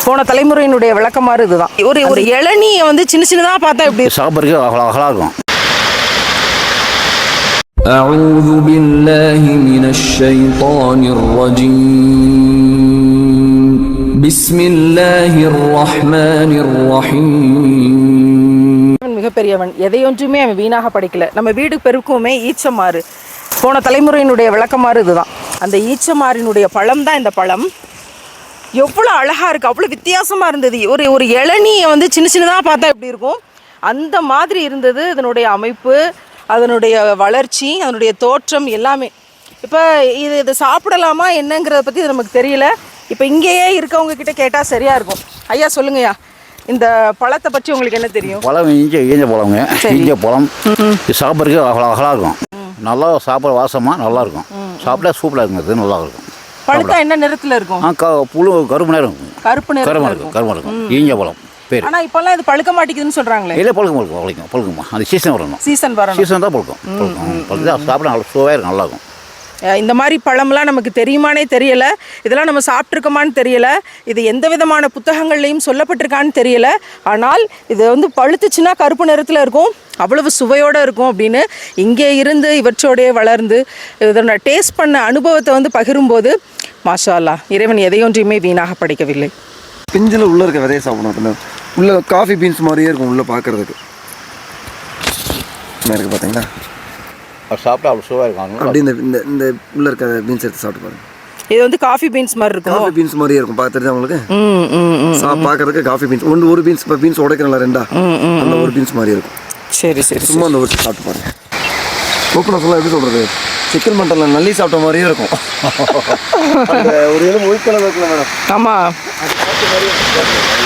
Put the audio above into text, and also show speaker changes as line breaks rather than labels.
போன தலைமுறையினுடைய விளக்கமாறு இதுதான். ஒரு இளநியை வந்து சின்ன சின்னதாக பார்த்தா எப்படி
சாப்பிட்றதுக்கு அழகாக இருக்கும்.
أعوذ بالله من الشيطان الرجيم بسم الله الرحمن الرحيم.
மிகப்பெரியவன் எதையொன்றுமே அவன் வீணாக படிக்கல. நம்ம வீடு பெருக்குமே ஈச்சமாறு. போன தலைமுறையினுடைய விளக்கமாறு இதுதான். அந்த ஈச்சமாறினுடைய பழம் தான் இந்த பழம். எவ்வளோ அழகாக இருக்குது, அவ்வளோ வித்தியாசமாக இருந்தது. ஒரு இளநியை வந்து சின்ன சின்னதாக பார்த்தா எப்படி இருக்கும் அந்த மாதிரி இருந்தது. இதனுடைய அமைப்பு, அதனுடைய வளர்ச்சி, அதனுடைய தோற்றம் எல்லாமே. இப்போ இது சாப்பிடலாமா என்னங்கிறத பற்றி நமக்கு தெரியல. இப்போ இங்கேயே இருக்கவங்க கிட்ட கேட்டால் சரியாக இருக்கும். ஐயா சொல்லுங்கய்யா, இந்த பழத்தை பற்றி உங்களுக்கு என்ன தெரியும்?
பழம் ஈஞ்ச பழங்க, ஈஞ்ச பழம். இது சாப்பிட்றதுக்கு அழகாக இருக்கும். நல்லா சாப்பிட வாசமாக நல்லாயிருக்கும். சாப்பிட்டா சூப்பராக இருக்கும். இது நல்லா இருக்கும்.
பழுத்தா என்ன நிறத்தில் இருக்கும்?
புழு கருப்பு நேரம் இருக்கும்.
கருப்பு நேரம்
இருக்கும். ஈஞ்ச பழம் பேர்.
ஆனால் இப்போல்லாம் இது பழுக்க மாட்டேங்குதுன்னு சொல்கிறாங்களே.
இல்லை, பழுக்குமா அந்த சீசன் வரணும்.
சீசன்
தான் பழுக்கும். சாப்பிட நல்லா சுவையாக இருக்கும், நல்லாயிருக்கும்.
இந்த மாதிரி பழம்லாம் நமக்கு தெரியுமானே தெரியலை. இதெல்லாம் நம்ம சாப்பிட்ருக்கோமான்னு தெரியலை. இது எந்த விதமான புத்தகங்கள்லையும் சொல்லப்பட்டிருக்கான்னு தெரியலை. ஆனால் இது வந்து பழுத்துச்சுன்னா கருப்பு நிறத்தில் இருக்கும், அவ்வளவு சுவையோடு இருக்கும் அப்படின்னு இங்கே இருந்து இவற்றோடைய வளர்ந்து இதோட டேஸ்ட் பண்ண அனுபவத்தை வந்து பகிரும்போது மாஷா அல்லாஹ், இறைவன் எதையொன்றையுமே வீணாக படைக்கவில்லை.
பிஞ்சில் உள்ளே இருக்க விதையை சாப்பிடணும். உள்ளே காஃபி பீன்ஸ் மாதிரியே இருக்கும் உள்ளே பார்க்குறதுக்கு. இருக்குது பார்த்தீங்களா,
சாப்பிட்டா அவ்வளோ சுவையாக இருக்கும்.
அப்படி இந்த இந்த உள்ளே இருக்க பீன்ஸ் எடுத்து சாப்பிட்டு பாருங்க.
இது வந்து காஃபி பீன்ஸ் மாதிரி இருக்கும்.
காஃபி பீன்ஸ் மாதிரியே இருக்கும். பார்த்துட்டு உங்களுக்கு பார்க்கறதுக்கு காஃபி பீன்ஸ் ஒரு பீன்ஸ். இப்போ பீன்ஸ் உடைக்கிறல ரெண்டா, அந்த ஒரு பீன்ஸ் மாதிரி இருக்கும்.
சரி சரி,
சும்மா அந்த ஒரு சாப்பிட்டு பாருங்க. ஓப்பனாக சொல்ல எப்படி சொல்கிறது, சிக்கன் மட்டனில் நல்லி சாப்பிட்ட மாதிரியே இருக்கும். ஒரு எலும்பு ஒயிட் கலர் இருக்குல்ல மேடம்.
ஆமாம்.